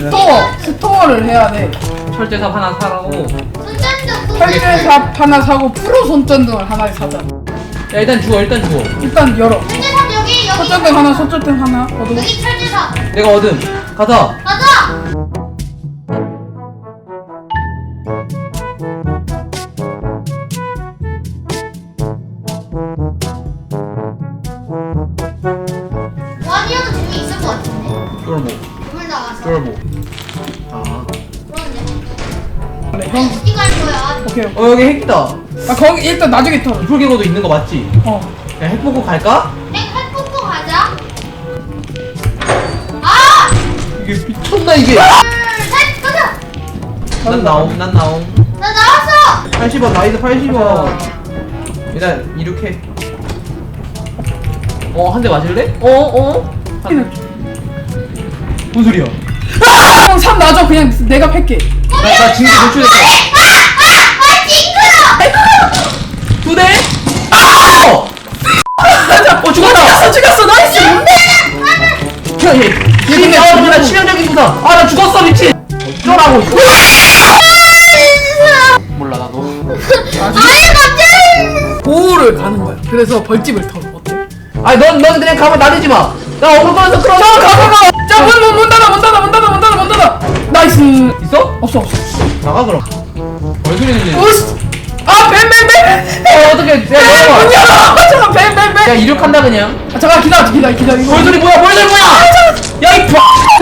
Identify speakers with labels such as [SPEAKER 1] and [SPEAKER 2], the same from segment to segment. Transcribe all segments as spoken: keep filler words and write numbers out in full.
[SPEAKER 1] 스토어 스토어를 해야 돼.
[SPEAKER 2] 철제삽 하나 사라고.
[SPEAKER 3] 손전등
[SPEAKER 1] 철제삽 하나 사고 프로 손전등을 하나 사자.
[SPEAKER 2] 야 일단 주워 일단 주워.
[SPEAKER 1] 일단 열어.
[SPEAKER 3] 철제삽 여기 여기
[SPEAKER 1] 손전등 하나, 손전등 하나. 얻어.
[SPEAKER 3] 여기 철제삽
[SPEAKER 2] 내가 얻음. 가자.
[SPEAKER 3] 맞아. 원이어도 재미있을 것 같은데.
[SPEAKER 2] 쫄보.
[SPEAKER 3] 물 나와서.
[SPEAKER 2] 쫄보. 아.
[SPEAKER 3] 그런데.
[SPEAKER 1] 그래, 형.
[SPEAKER 3] 어디 갈 거야?
[SPEAKER 1] 오케이.
[SPEAKER 2] 어 여기 핵이다.
[SPEAKER 1] 아 거기 일단 나중에 털어.
[SPEAKER 2] 불개고도 있는 거 맞지?
[SPEAKER 1] 어.
[SPEAKER 2] 야, 핵 보고 갈까?
[SPEAKER 3] 핵 핵폭포 가자. 아!
[SPEAKER 2] 이게 미쳤나 이게?
[SPEAKER 3] 둘, 셋, 가자.
[SPEAKER 2] 난 나옴 난 나옴.
[SPEAKER 3] 나 나왔어.
[SPEAKER 2] 팔십 원 나이스 팔십 원. 일단 이륙해. 어 한 대 맞을래? 어 어? 한... 뭔 소리야?
[SPEAKER 1] 형 삼 놔줘. 그냥 내가 팰게.
[SPEAKER 2] 나, 나 징계 노출됐어.
[SPEAKER 3] 아, 징그러.
[SPEAKER 2] 두 대? 아! 어! 어 죽었다!
[SPEAKER 1] 죽였어, 죽였어. 나이스.
[SPEAKER 2] 야, 얘, 얘, 얘, 아, 나 치명적인 부상. 아, 나 죽었어, 미친. 어쩌라고, 이거. 몰라, 나도.
[SPEAKER 3] 아니 갑자기.
[SPEAKER 1] 보호를 가는 거야. 그래서 벌집을 털어. 어때?
[SPEAKER 2] 아니, 넌, 넌 그냥 가만 놔두지 마. 나 얼굴 꺼내서 끌어.
[SPEAKER 1] 자, 가, 가, 가. 자, 문, 문, 문 닫아, 문 닫아, 문 닫아, 문 닫아, 문 닫아. 나이스.
[SPEAKER 2] 있어?
[SPEAKER 1] 없어, 없어.
[SPEAKER 2] 나가, 그럼. 얼굴이 있는데.
[SPEAKER 1] 오스. 아, 뱀, 뱀, 뱀.
[SPEAKER 2] 어, 어떡해. 야,
[SPEAKER 1] 문
[SPEAKER 2] 내려와.
[SPEAKER 1] 열어. 잠깐, 뱀, 뱀, 뱀.
[SPEAKER 2] 야, 이륙한다, 그냥.
[SPEAKER 1] 아, 잠깐 기다려, 기다려, 기다려. 이거.
[SPEAKER 2] 벌들이 뭐야, 벌들 뭐야! 야, 이 봐!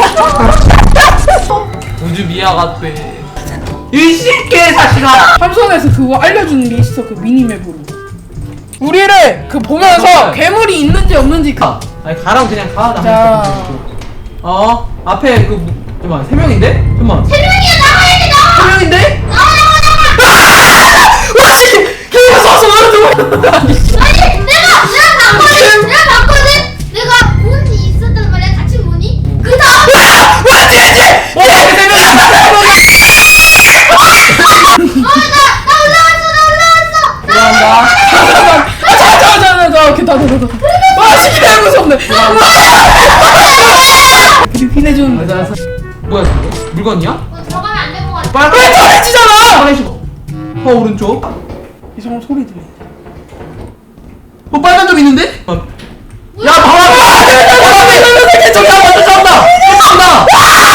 [SPEAKER 2] 우주 미아가 돼. 이 새끼 사실아!
[SPEAKER 1] 삼성에서 그거 알려주는 게 있어. 그 미니맵으로. 우리를 그 보면서
[SPEAKER 2] 아,
[SPEAKER 1] 괴물이 있는지 없는지 그.
[SPEAKER 2] 가. 아니, 가라고 그냥 가. 나
[SPEAKER 1] 자.
[SPEAKER 2] 어? 앞에 그, 뭐- 잠깐만, 세 명인데? 잠깐만.
[SPEAKER 3] 세 명이야 나가야 돼 나가.
[SPEAKER 2] 세 명인데?
[SPEAKER 3] 나가 나가 나가.
[SPEAKER 1] 와씨! 걔가 서서 나를
[SPEAKER 3] 아니 내가 내가 봤거든. 내가 봤거든. 내가 문이 있었단 말이야. 닫힌 문이. 그 다음.
[SPEAKER 1] 와, 쟤, 쟤!
[SPEAKER 2] 어, 세 명이야!
[SPEAKER 3] 어나나 올라왔어 나 올라왔어.
[SPEAKER 2] 올라온다.
[SPEAKER 1] 잠깐만. 아, 잠깐, 잠깐, 잠깐, 잠깐. 오케이, 다, 다, 다, 다. 와, 씨, 개 무섭네. 그리고 휘내주는
[SPEAKER 2] 알았어, 알았어. 뭐야, 저거? 물건이야?
[SPEAKER 3] 어, 들어가면 안 될 것 같아.
[SPEAKER 2] 빨리,
[SPEAKER 1] 왜 잘해지잖아!
[SPEAKER 2] 빨리 줘. 어, 오른쪽.
[SPEAKER 1] 이상한 소리 들려.
[SPEAKER 2] 어, 빨간 점 있는데? 어. 야, 봐봐! 저기다, 먼저 잡다! 잡다!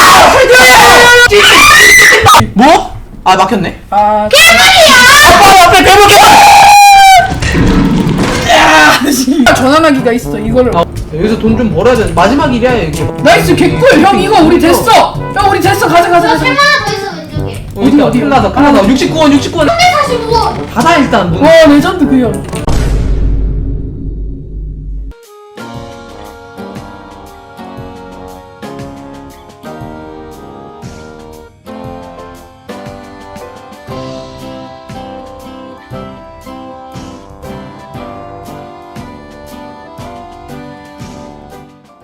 [SPEAKER 2] 뭐? 아, 막혔네.
[SPEAKER 1] 아,
[SPEAKER 2] 아빠, 앞에 괴물 괴물!
[SPEAKER 1] 야, 씨. 전환하기가 있어. 이거를.
[SPEAKER 2] 아, 여기서 돈 좀 벌어야 돼. 마지막 일이야, 여기.
[SPEAKER 1] 나이스 개꿀. 형 이거 우리 됐어. 형 우리 됐어. 가자, 가자, 가자.
[SPEAKER 3] 세 하나 더 있어 왼쪽에.
[SPEAKER 2] 어디, 어디? 큰일 나서, 큰일 나서. 육십구 원, 육십구 원.
[SPEAKER 3] 사십오 원.
[SPEAKER 2] 닫아, 일단. 문.
[SPEAKER 1] 와, 레전드 그 형.